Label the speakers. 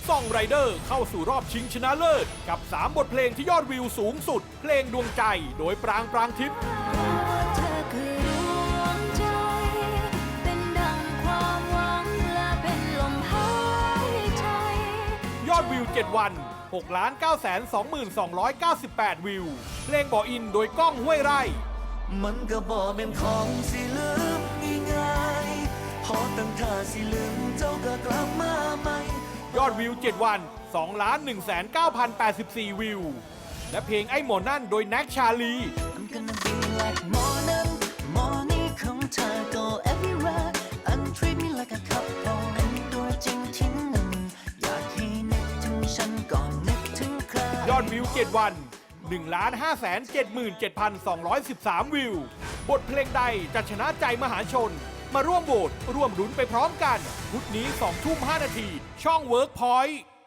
Speaker 1: ซองไรเดอร์เข้าสู่รอบชิงชนะเลิศกับ 3 บทเพลงที่ยอดวิวสูงสุดเพลงดวงใจโดยปรางทิพย์ยอดวิว 7 วัน 6,922,298 วิวเพลงบ่ออินโดยก้องห้วยไร่
Speaker 2: มันก็บ่เป็นของสิลืมง่ายๆพอตั้งท่าสิลืมเจ้าก็กลับมาใหม่
Speaker 1: ยอดวิว 7 วัน 2,109,084 วิวและเพลงไอ้หมอนั่นโดยแน็กชาลี
Speaker 2: I'm gonna be like morning morning ของเธอ go everywhere and treat me like a couple เป็นตัวจริงที่หนึ่งอยากให้นึกถึงฉันก่อนนึกถึงใคร
Speaker 1: ยอดวิว 7 วัน 1,577,213 วิวบทเพลงใดจะชนะใจมหาชนมาร่วมโหวตร่วมลุ้นไปพร้อมกันพุธนี้ 20:05 น.ช่อง Workpoint